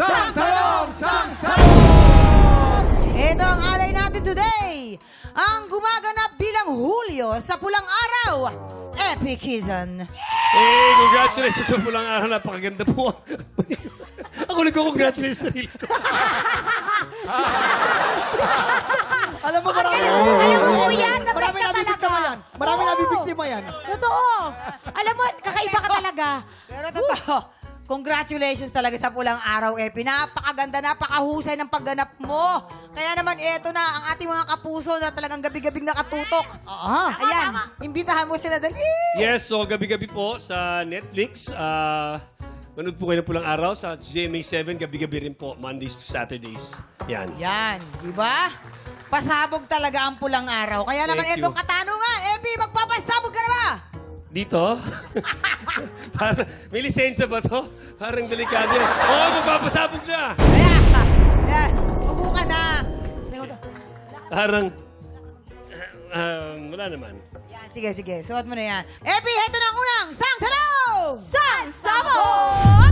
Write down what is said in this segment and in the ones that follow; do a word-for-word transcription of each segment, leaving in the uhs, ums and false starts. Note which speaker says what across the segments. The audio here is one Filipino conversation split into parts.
Speaker 1: Sang Talong! Sang Salong!
Speaker 2: Ito ang alay natin today. Ang gumaganap bilang Hulyo sa pulang araw, Epikizan.
Speaker 3: Eh, congratulations sa pulang araw. Napakaganda po. Ako nagko-congratulate sa sarili ko.
Speaker 1: Alam mo, marami.
Speaker 4: Alam mo, kuya, the best
Speaker 1: Marami
Speaker 4: ka
Speaker 1: nabibiktima
Speaker 4: talaga.
Speaker 1: yan. Marami
Speaker 4: Oo.
Speaker 1: nabibiktima yan.
Speaker 4: Totoo. Alam mo, kakaiba ka talaga.
Speaker 2: Pero totoo, congratulations talaga sa pulang araw, Epi. Napakaganda, napakahusay ng pagganap mo. Kaya naman, eto na ang ating mga kapuso na talagang gabi-gabing nakatutok.
Speaker 1: Ah,
Speaker 2: Ayan, imbitahan mo sila dali.
Speaker 3: Yes, so gabi-gabi po sa Netflix. Ah, manood po kayo ng pulang araw sa G M A seven. Gabi-gabi rin po, Mondays to Saturdays. Yan.
Speaker 2: Yan, di ba? Pasabog talaga ang pulang araw. Kaya naman
Speaker 3: Thank you.
Speaker 2: etong katanungan, Epi, magpapasabog ka na ba?
Speaker 3: Dito? Parang, may lisensya ba to? Parang delikado yan. Oo, oh, magpapasabog na!
Speaker 2: Ayan, ayan, upo ka na.
Speaker 3: Parang, um, wala naman.
Speaker 2: Yan, sige, sige. Suot mo na yan. Epi, heto na ang unang sang tanong!
Speaker 4: San Sabot!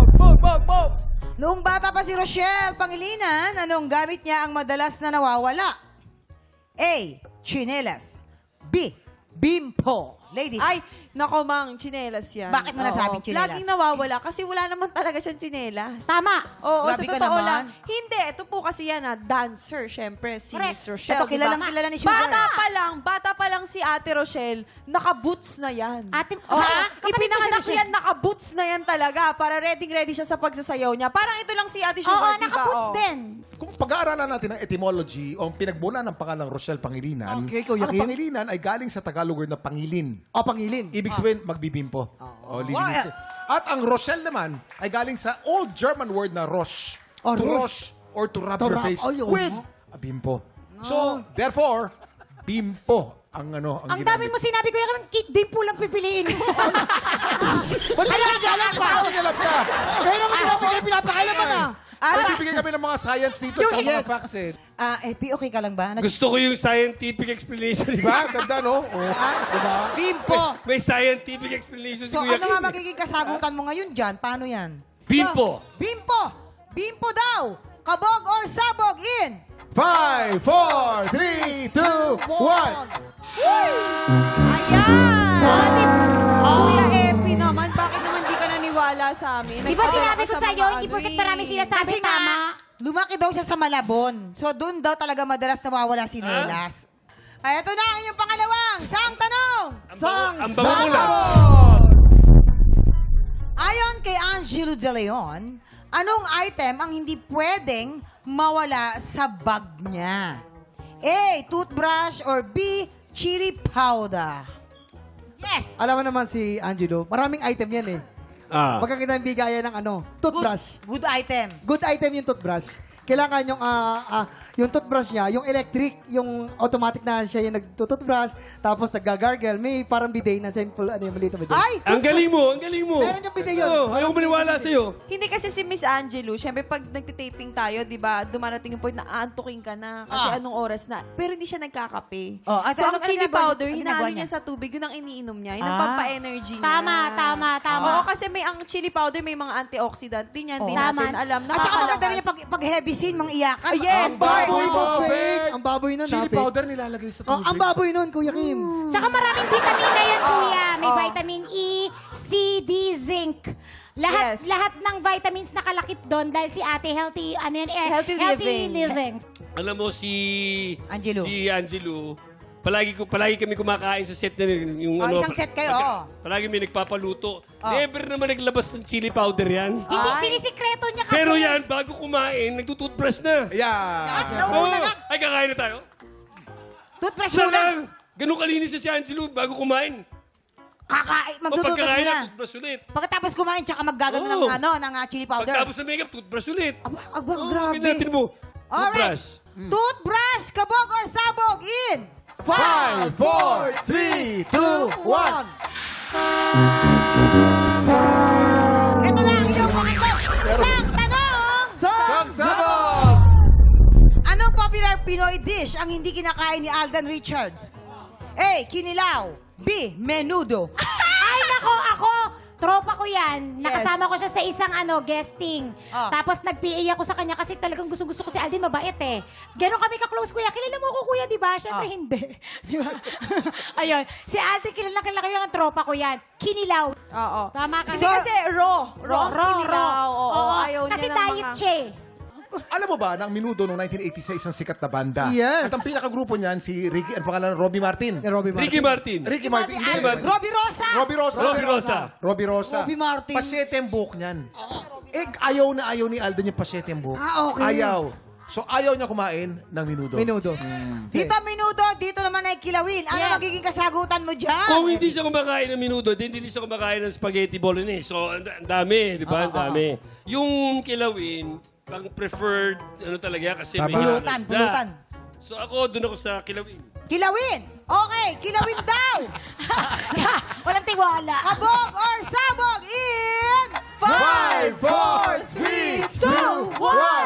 Speaker 2: Noong bata pa si Rochelle Pangilinan, anong gamit niya ang madalas na nawawala? A. Chinelas. B. Bimpo. Ladies.
Speaker 5: Ay, nako mang, tsinelas yan.
Speaker 2: Bakit mo nasabing
Speaker 5: Oo.
Speaker 2: tsinelas?
Speaker 5: Laging nawawala kasi wala naman talaga siyang tsinelas.
Speaker 4: Tama.
Speaker 5: Oo,
Speaker 2: Grabe
Speaker 5: sa
Speaker 2: ka
Speaker 5: totoo
Speaker 2: naman.
Speaker 5: lang. Hindi, ito po kasi yan na dancer, syempre, si
Speaker 4: Correct.
Speaker 5: Miss Rochelle.
Speaker 2: Ito, kilalang
Speaker 5: diba?
Speaker 2: kilala ni Sugar.
Speaker 5: Bata pa lang, bata pa lang si Ate Rochelle, naka-boots na yan.
Speaker 4: Ate,
Speaker 5: Oo,
Speaker 4: ha? Kapatid ko si
Speaker 5: ipinanganak
Speaker 4: Rochelle.
Speaker 5: yan, naka-boots na yan talaga para ready-ready siya sa pagsasayaw niya. Parang ito lang si Ate
Speaker 4: Oo,
Speaker 5: Sugar, diba?
Speaker 4: naka-puts
Speaker 5: Oo.
Speaker 4: din.
Speaker 6: Kung pag-aaralan natin ang etymology o ang pinagmula ng pangalang Rochelle Pangilinan,
Speaker 1: Okay, Kuya
Speaker 6: ang
Speaker 1: Kim.
Speaker 6: Pangilinan ay galing sa Tagalog word na pangilin.
Speaker 1: O, pangilin.
Speaker 6: Ibig sabihin, magbibimpo. O, lilinisin. At ang Rochelle naman ay galing sa Old German word na Rosh.
Speaker 1: Oh,
Speaker 6: to
Speaker 1: Rosh.
Speaker 6: Rosh or to rub
Speaker 1: To
Speaker 6: your
Speaker 1: rub.
Speaker 6: face
Speaker 1: Ay, oo.
Speaker 6: with a bimpo. So, therefore, bimpo ang ano ang,
Speaker 4: Ang dami mo sinabi ko yung kit din po lang pipiliin.
Speaker 6: Ba't pinapakailan pa? Ba't pinapakailan ka?
Speaker 1: Pero kung pinapakailan, pinapakailan mo na.
Speaker 6: Kasi bigyan kami ng mga science dito at mga
Speaker 1: Yes.
Speaker 6: facts eh.
Speaker 2: Ah, Epi, okay ka lang ba? Nas-
Speaker 3: Gusto ko yung scientific explanation.
Speaker 6: Diba? Ganda, no? Oh.
Speaker 1: Diba?
Speaker 2: Bimpo.
Speaker 3: May scientific explanation si
Speaker 2: So,
Speaker 3: Kuya
Speaker 2: ano nga
Speaker 3: Kim.
Speaker 2: magiging kasagutan mo ngayon dyan? Paano yan?
Speaker 3: Bimpo.
Speaker 2: So, bimpo. Bimpo daw. Kabog or sabog in.
Speaker 6: Five, four, three, two, one.
Speaker 5: Ayan! Kuya Epi naman, bakit naman di ka naniwala sa amin?
Speaker 4: Di ba
Speaker 5: Nagpadala
Speaker 4: sinabi
Speaker 5: ka
Speaker 4: ko
Speaker 5: sa
Speaker 4: sa'yo,
Speaker 5: mga
Speaker 4: hindi
Speaker 5: ano
Speaker 4: porket
Speaker 5: eh.
Speaker 4: marami sinasabi,
Speaker 2: Kasi nga,
Speaker 4: tama.
Speaker 2: lumaki daw siya sa Malabon. So, doon daw talaga madalas nawawala si Nelas. Ay, ito na ang iyong pangalawang sang tanong.
Speaker 3: Ang bango- Ang bango mo lang.
Speaker 2: Ayon kay Angelo De Leon, anong item ang hindi pwedeng mawala sa bag niya? A. Toothbrush or B. Chili powder? Yes!
Speaker 1: Alam mo naman si Angelo, maraming item yan eh.
Speaker 3: Ah.
Speaker 1: Pagkakita ng bigayan ng ano, toothbrush.
Speaker 2: Good, good item.
Speaker 1: Good item yung toothbrush. Kailangan yung ah, ah, yung toothbrush niya, yung electric, yung automatic na siya yung nagtutoothbrush, tapos naggagargle. May parang bidet na simple, ano yung maliit na bidet.
Speaker 2: Ay!
Speaker 3: Ang galing mo, ang galing mo.
Speaker 1: Meron yung video yun.
Speaker 3: Oo, ayaw ko maniwala sa'yo.
Speaker 5: Hindi kasi si Miss Angelo, syempre pag nagtitaping tayo, di ba, dumarating yung point na aantukin ka na kasi
Speaker 2: Ah.
Speaker 5: anong oras na. Pero hindi siya nagkakape.
Speaker 2: Oh, ah,
Speaker 5: so,
Speaker 2: so
Speaker 5: ang
Speaker 2: ano- ano
Speaker 5: chili
Speaker 2: ginagawa niya?
Speaker 5: powder,
Speaker 2: Ano
Speaker 5: hinalo
Speaker 2: ginagawa
Speaker 5: niya
Speaker 2: niya?
Speaker 5: sa tubig, yun ang iniinom niya. Yun ang
Speaker 2: Ah.
Speaker 5: pampa-energy niya.
Speaker 4: Tama, tama, tama.
Speaker 5: Oo, kasi may ang chili powder, may mga antioxidant. Di niyan, di
Speaker 4: Oh.
Speaker 5: natin
Speaker 4: Tama.
Speaker 5: alam.
Speaker 2: At saka maganda rin
Speaker 5: Nakakalakas.
Speaker 2: yung pag, pag heavy scene, mang iyakan.
Speaker 5: Ah, yes,
Speaker 6: Ang baboy mo,
Speaker 1: Fake.
Speaker 6: fake.
Speaker 1: Ang baboy nun,
Speaker 6: Chili
Speaker 1: ha, fake.
Speaker 6: powder nilalagay sa
Speaker 1: Oh,
Speaker 6: tubig.
Speaker 1: ang baboy nun, Kuya Kim.
Speaker 4: Tsaka maraming vitamina yun, kuya. May
Speaker 5: Oh.
Speaker 4: vitamin E, C, D, zinc. Lahat
Speaker 5: Yes.
Speaker 4: lahat ng vitamins nakalakip doon dahil si ate healthy, ano yun, eh,
Speaker 5: Healthy living.
Speaker 4: living.
Speaker 3: Alam mo si
Speaker 2: Angelo.
Speaker 3: Si Angelo. Palagi ko palagi kami kumakain sa set na yung
Speaker 2: Oh,
Speaker 3: ano.
Speaker 2: isang set kayo, oo.
Speaker 3: Palagi may nagpapaluto.
Speaker 2: Oh.
Speaker 3: Never naman naglabas ng chili powder yan.
Speaker 4: Hindi, sinisikreto niya kasi.
Speaker 3: Pero yan, bago kumain, nagtutoothbrush na.
Speaker 2: At
Speaker 6: Yeah.
Speaker 2: nauna na.
Speaker 3: Ay, kakain na tayo?
Speaker 2: Toothbrush
Speaker 3: Siya
Speaker 2: muna.
Speaker 3: lang. Ganun kalinis na si Angelo bago kumain.
Speaker 2: Kakain,
Speaker 3: O
Speaker 2: magtutubos
Speaker 3: pagkakain
Speaker 2: muna.
Speaker 3: na, toothbrush ulit.
Speaker 2: Pagkatapos kumain, tsaka maggagano ng,
Speaker 3: Oo.
Speaker 2: ano, ng ah, chili powder.
Speaker 3: Pagtapos ng makeup, toothbrush ulit.
Speaker 2: Aba, aba,
Speaker 3: Oo,
Speaker 2: grabe.
Speaker 3: ganyan mo.
Speaker 2: Alright.
Speaker 3: Toothbrush.
Speaker 2: Toothbrush, kabog or sabog in.
Speaker 6: Five, four, three, two, one.
Speaker 2: Ito na ang iyong pangatlo. Isang tanong.
Speaker 6: Sagsabog!
Speaker 2: Anong popular Pinoy dish ang hindi kinakain ni Alden Richards? A. Kinilaw. B. Menudo.
Speaker 4: Ay, nako, ako, tropa ko yan.
Speaker 2: Yes.
Speaker 4: Nakasama ko siya sa isang ano guesting.
Speaker 2: Ah.
Speaker 4: Tapos nag-P A ako sa kanya kasi talagang gusto-gusto ko si Alden, mabait eh. Ganon kami ka-close, kuya. Kilala mo ko, kuya, di ba? Siyempre,
Speaker 2: Ah.
Speaker 4: hindi. Di ba? Ayun. Si Alden, kilala kilala ko yung tropa ko yan. Kinilaw.
Speaker 5: Oo.
Speaker 4: Tama ka.
Speaker 5: Kasi kasi raw. Raw.
Speaker 4: Raw, raw.
Speaker 5: Kinilaw. Oo,
Speaker 4: Oo.
Speaker 5: ayaw
Speaker 4: Kasi
Speaker 5: niya ng
Speaker 4: diet
Speaker 5: mga...
Speaker 4: siya eh.
Speaker 6: Alam mo ba, ng Menudo noong nineteen eighty sa isang sikat na banda.
Speaker 1: Yes.
Speaker 6: At ang pinakagrupo niyan, si Ricky, ang pangalan, Robbie Martin.
Speaker 1: Ni Robbie Martin.
Speaker 3: Ricky Martin.
Speaker 6: Ricky Martin.
Speaker 2: Ay,
Speaker 6: Hindi.
Speaker 2: Robbie Rosa!
Speaker 6: Robbie Rosa.
Speaker 3: Robbie Rosa.
Speaker 6: Robbie Rosa.
Speaker 2: Robbie Martin.
Speaker 6: Pasyete ang buhok niyan. Eh, ayaw na ayaw ni Alden yung pasyete ang buhok.
Speaker 1: Ah, okay.
Speaker 6: Ayaw. So, ayaw niya kumain ng Menudo.
Speaker 1: Menudo.
Speaker 2: Dito Minudo, dito naman ay kilawin. Ano
Speaker 4: Yes.
Speaker 2: magiging kasagutan mo dyan?
Speaker 3: Kung hindi siya kumakain ng minuto, din hindi siya kumakain ng spaghetti bolognese. So, ang ang dami, di ba? Ang dami. Yung kilawin, ang preferred, ano talaga, kasi may
Speaker 6: Tama.
Speaker 2: Pulutan,
Speaker 3: isda.
Speaker 2: pulutan.
Speaker 3: So, ako, doon ako sa kilawin.
Speaker 2: Kilawin! Okay, kilawin daw!
Speaker 4: Walang tiwala.
Speaker 2: Kabog or sabog in...
Speaker 6: Five, four, three, two, one.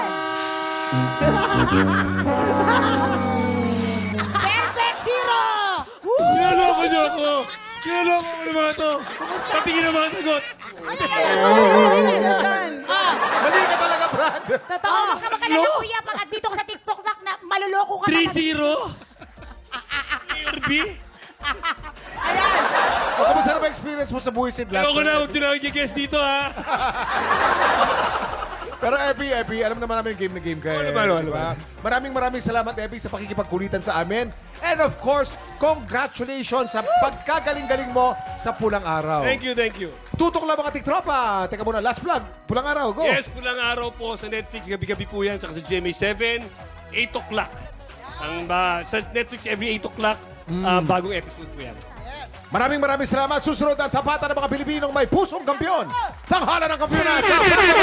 Speaker 2: Perfect zero!
Speaker 3: Kinaloko niyo ako! Kinaloko ko ng mga to! Patingin ang mga sagot!
Speaker 6: Mali ka talaga, Brad.
Speaker 4: Totoo. Huwag ka magalala, kuya. Pag dito ko sa TikTok na, na maluloko ka
Speaker 3: three
Speaker 4: talaga.
Speaker 3: zero? Mayor B?
Speaker 2: Ayan!
Speaker 6: O, kamusta na ba experience mo sa Buisit last
Speaker 3: Ayoko na,
Speaker 6: night?
Speaker 3: huwag din ako i-guess dito, ha?
Speaker 6: Pero Epi, Epi, alam naman namin game na game ka.
Speaker 3: Oo
Speaker 6: eh,
Speaker 3: naman, oo
Speaker 6: di ba?
Speaker 3: naman.
Speaker 6: Maraming maraming salamat, Epi, sa pakikipagkulitan sa amin. And of course, congratulations sa pagkagaling-galing mo sa Pulang Araw.
Speaker 3: Thank you, thank you.
Speaker 6: Tutok lang mga tiktropa. Teka muna, last vlog. Pulang Araw, go.
Speaker 3: Yes, pulang araw po sa Netflix. Gabi-gabi po yan. Saka sa G M A seven, eight o'clock. Ang, ba sa Netflix, every eight o'clock, ah, bagong episode po yan.
Speaker 6: Maraming maraming salamat. Susunod ang tapatan ng mga Pilipinong may pusong kampiyon. Tanghala ng kampiyon sa